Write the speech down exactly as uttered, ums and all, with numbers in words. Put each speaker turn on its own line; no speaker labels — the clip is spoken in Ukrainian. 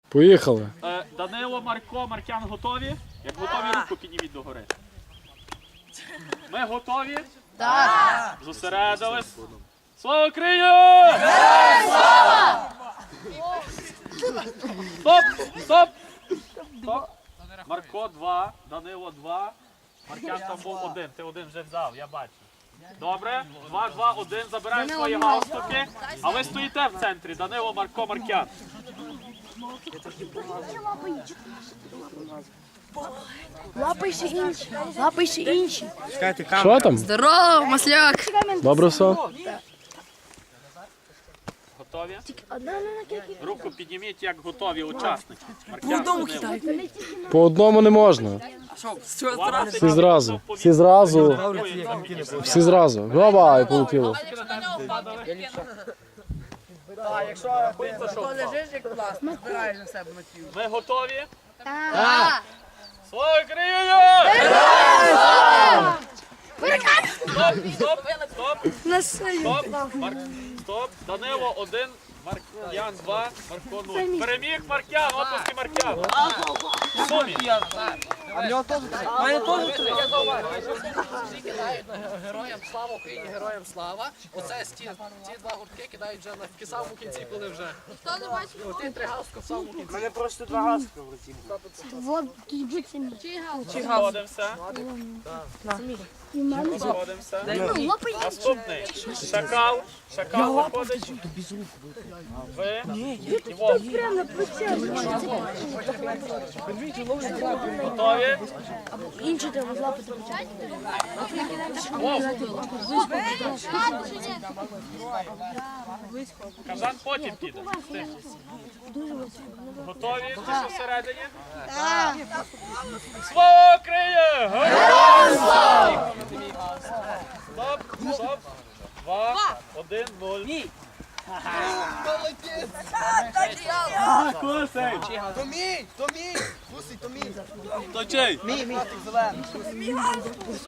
Поїхали.
Е, Данило, Марко, Маркян готові? Як готові, руку підніміть догори. Ми готові? Так. Зосередились. Слава Україні! Слава! Стоп! Стоп! Стоп! Марко два, Данило два, Маркян там був один. Ти один вже взяв, я бачу. Добре, два, два, один, забираємо свої галстуки. А ви стоїте в центрі, Данило, Марко, Маркян.
Лапайся інші, лапайся інші.
Що там?
Здорово, масляк.
Добре все?
Готові? Руку підніміть, як готові учасники. Маркян, Данило.
По одному не можна. Всі зразу. Всі зразу. Всі зразу. Гоба, і полетіло.
Ми готові? Так! Слава Україні! Стоп, стоп, стоп, стоп, Мар... стоп, Данило один, Маркян два, Марко нуль. Переміг Маркян, оплески Маркян. Сумі.
А в нього теж у мене теж я зауважу. Всі кидають героям слава Україні, героям слава. Оце ці, ці два гуртки кидають вже на в самому кінці, коли вже. Ніхто не бачив. Ті три галстука в самому кінці.
У мене просто два галстука в руці.
Вот, тут будь самі.
Сходимося. Сходимося.
Ну, лапай.
Наступний. Шакал. Шакал виходить. Ви. І Вовк. Готові?
Інші треба злапати.
Кажан потім піде. Готові? Ти що всередині? Так. Слава Україні! Героям слава! Стоп, стоп. Два, один, нуль.
То мій, то мій, Гусий, то мій.
То чий?
Мій, мій.